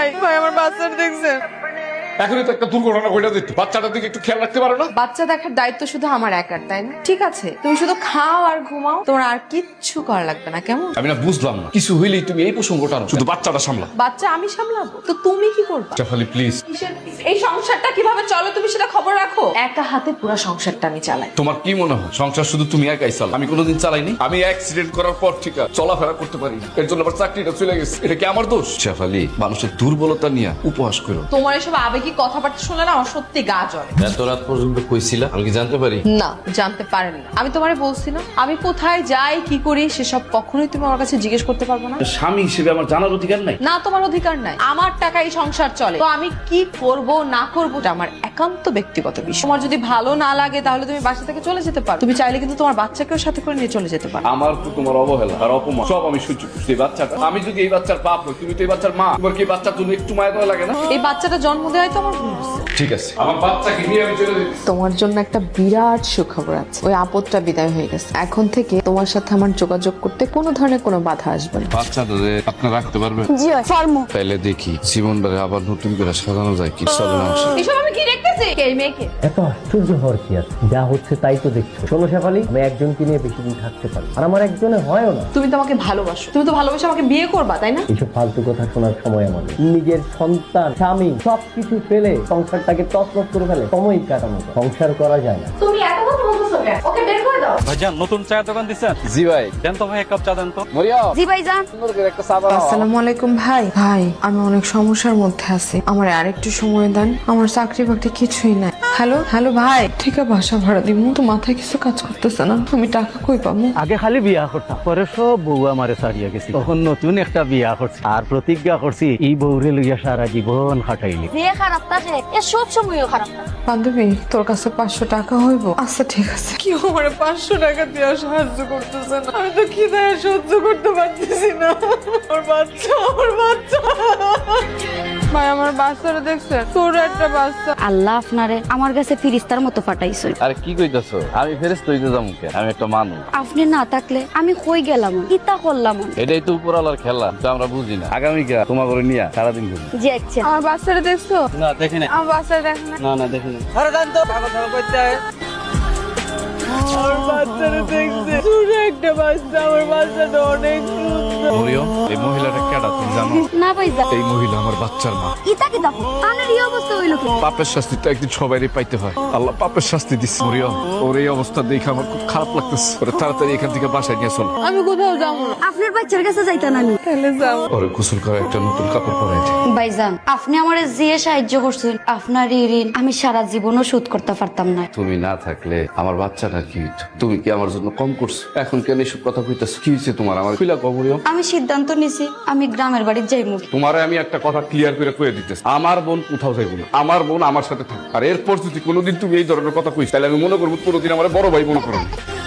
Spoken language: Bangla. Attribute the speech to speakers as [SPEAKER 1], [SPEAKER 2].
[SPEAKER 1] ভাই ভাই আমার বাচ্চাটা দেখছেন?
[SPEAKER 2] এখনই তো একটা দুর্ঘটনা ঘটে যেত, বাচ্চাটার দিকে একটু খেয়াল রাখতে পারো না?
[SPEAKER 1] বাচ্চা দেখার দায়িত্ব শুধু আমার একার, তাই না? ঠিক আছে, তুমি শুধু খাও আর ঘুমাও, তোমার আর কিচ্ছু করা লাগবে না, কেমন?
[SPEAKER 2] আমি না বুঝলাম না, কিছু হইলেই তুমি এই প্রসঙ্গটা আনো, শুধু বাচ্চাটা সামলা।
[SPEAKER 1] বাচ্চা আমি সামলাবো তো তুমি কি করবা?
[SPEAKER 2] জাফালি প্লিজ।
[SPEAKER 1] এই সংসারটা কিভাবে চলো তুমি সেটা খবর রাখো। একা হাতে পুরো সংসারটা আমি চালাই।
[SPEAKER 2] তোমার কি মনে হয় সংসার শুধু তুমি একাই চালাও? আমি কোনোদিন চালাইনি। আমি অ্যাক্সিডেন্ট করার পর ঠিক আছে চলাফেরা করতে পারি, এর জন্য আমার চাকরিটা চলে গেছে। এটা কি আমার দোষ? জাফালি, মানুষের দুর্বলতা নিয়ে উপহাস করো।
[SPEAKER 1] তোমার এসব আবেগী কথাবার্তা শুনলে না আমার সত্যি গা জ্বলে।
[SPEAKER 3] এত রাত পর্যন্ত কইছিলা, আমি কি জানতে পারি?
[SPEAKER 1] না, জানতে পারেন না। আমি তোমারে বলছি না আমি কোথায় যাই কি করি সেসব কখনোই তুমি আমার কাছে জিজ্ঞেস করতে পারবে না।
[SPEAKER 2] স্বামী হিসেবে আমার জানার অধিকার নাই?
[SPEAKER 1] না, তোমার অধিকার নাই। আমার টাকায় সংসার চলে, তো আমি কি করব না করব এটা আমার একান্ত ব্যক্তিগত বিষয়। তোমার যদি ভালো না লাগে তাহলে তুমি বাসা থেকে চলে যেতে পারো। তুমি চাইলে কিন্তু তোমার বাচ্চাকেও সাথে করে নিয়ে চলে যেতে পারো।
[SPEAKER 2] আমার তো তোমার অবহেলা আর অপমান সব আমি সহ্য করছি। এই বাচ্চাটা, আমি যদি এই বাচ্চার বাপ হই, তুমি তো এই বাচ্চার মা, তোমার কি এই বাচ্চার জন্য একটু মায়া দেওয়া লাগে না?
[SPEAKER 1] এই বাচ্চাটা জন্ম দেওয়াই তো আমার ভুল হচ্ছে।
[SPEAKER 2] ঠিক আছে, আমার বাচ্চাকে নিয়ে আমি চলে যেতে।
[SPEAKER 1] তোমার জন্য একটা বিরাট সুখবর আছে। ওই আপদটা বিদায় হয়ে গেছে। এখন থেকে তোমার সাথে আমার যোগাযোগ করতে কোনো ধরনের কোনো বাধা আসবে না।
[SPEAKER 2] বাচ্চাটা আপনি রাখতে পারবেন?
[SPEAKER 4] জি পারমু।
[SPEAKER 2] তাইলে দেখি জীবনটারে আবার নতুন করে সাজানো যায় কি। চলো না আমার সাথে।
[SPEAKER 1] এসব আমি কি দেখতেছি? এই মেয়েকে
[SPEAKER 5] এত আশ্চর্য হওয়ার কি আছে? যা হচ্ছে তাই তো দেখছো। শোনো শেফালি, আমি একজনকে নিয়ে বেশি দিন থাকতে পারি, আর আমার একজনে হয়ও না।
[SPEAKER 1] তুমি তো আমাকে ভালোবাসো, তুমি তো ভালোবাসে আমাকে বিয়ে করবা, তাই না?
[SPEAKER 5] এইসব ফালতু কথা শোনার সময় আমাদের। নিজের সন্তান, স্বামী সবকিছু ফেলে সংসারটাকে তছনছ করে ফেলে সময় কাটানো যায়। সংসার করা যায় না।
[SPEAKER 1] তুমি এত কথা বলতেছো কেন? ওকে বের করে দাও।
[SPEAKER 6] ভাইজান নতুন চায়ের দোকান দিচ্ছেন?
[SPEAKER 2] জি ভাই।
[SPEAKER 6] দেন তো ভাই এক কাপ চা দেন তো।
[SPEAKER 4] জি ভাইজান।
[SPEAKER 1] আসসালামু আলাইকুম ভাই। ভাই আমি অনেক সমস্যার মধ্যে আছি, আমার আরেকটু সময় দেন। আমার চাকরি বাকরি কিছুই নাই। হ্যালো হ্যালো ভাই, ঠিক আছে বাসা ভাড়া দিব তো মাথায় কিছু কাজ করতেছে না। আমি টাকা কই পাবো?
[SPEAKER 7] আগে খালি বিয়া করতাম, পরে সব বউ আমারে ছাড়িয়া গেছি। তখন নতুন একটা বিয়া করছি আর প্রতিজ্ঞা করছি এই বউরে লইয়া সারা জীবন খাটাইলি।
[SPEAKER 4] যে খারাপ থাকে এ সব সময়ও খারাপ থাকে।
[SPEAKER 1] বান্ধবী তোর কাছে 500 টাকা হইব? আচ্ছা ঠিক আছে। কি আমার 500 টাকা দিয়ে সাহায্য করতেছে না? আমি তো খিদায় সহ্য করতে পারতেছি না। আমার বাচ্চা, আমার বাচ্চা। ভাই আমার বাচ্চাটা দেখছে, তোর একটা বাচ্চা।
[SPEAKER 4] আল্লাহ আপনারে আমার কাছে ফিরিস্তার মতো পাঠাইছে।
[SPEAKER 3] আরে কি কইতাছো? আমি ফেরেশতা হইতে যাবো কেন? আমি একটা মানুষ।
[SPEAKER 4] আপনি না থাকলে আমি কই গেলাম, কিতা করলাম।
[SPEAKER 3] এটাই তো উপরালার খেলা, তো আমরা বুঝি না। আগামীকাল তোমার করে নিয়ে সারাদিন ঘুরি।
[SPEAKER 4] জি আচ্ছা।
[SPEAKER 1] আমার বাচ্চাটা দেখছো?
[SPEAKER 6] না দেখি না।
[SPEAKER 1] আমার বাচ্চাটা দেখ না।
[SPEAKER 6] না দেখিনি।
[SPEAKER 1] আমার বাচ্চাটা দেখছে, ছোট একটা বাচ্চা। আমার বাচ্চাটা অনেক সুন্দর।
[SPEAKER 2] মরিয়ম, এই মহিলাটা কেডা তুমি জানো?
[SPEAKER 4] না ভাইজান।
[SPEAKER 2] এই মহিলা আমার বাচ্চার মা।
[SPEAKER 4] কিতা কি দেখো আমার এই অবস্থা হইলো কি?
[SPEAKER 2] পাপের শাস্তি তো একদিন সবাইরই পাইতে হয়। আল্লাহ পাপের শাস্তি দিচ্ছে। মরিয়ম, ওর এই অবস্থা দেখে আমার খুব খারাপ লাগতেছে। ওরে তাড়াতাড়ি এখান থেকে বাসায় নিয়ে চল।
[SPEAKER 1] আমি কোথাও যাবো না।
[SPEAKER 4] আপনার বাচ্চার কাছে যাইতাম আমি।
[SPEAKER 1] তাহলে যাবো।
[SPEAKER 2] ওরে গোসল করে একটা নতুন কাপড় পরাই দে।
[SPEAKER 4] ভাইজান আপনি আমারে যে সাহায্য করছেন, আপনার এই ঋণ আমি সারা জীবনও শোধ করতে পারতাম না।
[SPEAKER 3] তুমি না থাকলে আমার বাচ্চাটা কি হইতো? তুমি কি আমার জন্য কম করছো? এখন কেন এসব কথা কইতাছো? কি হয়েছে তোমার? আমার খুলা কম। মরিয়ম,
[SPEAKER 4] আমি সিদ্ধান্ত নিছি আমি গ্রামের বাড়ি যাইমু।
[SPEAKER 2] তোমারে আমি একটা কথা ক্লিয়ার করে কয়ে দিতেছি, আমার বোন কোথাও যাইব না। আমার বোন আমার সাথে থাকবে। আর এরপর যদি কোনোদিন তুমি এই ধরনের কথা কইস তাহলে আমি মনে করবো কোনোদিন আমার বড় ভাই মনে করো না।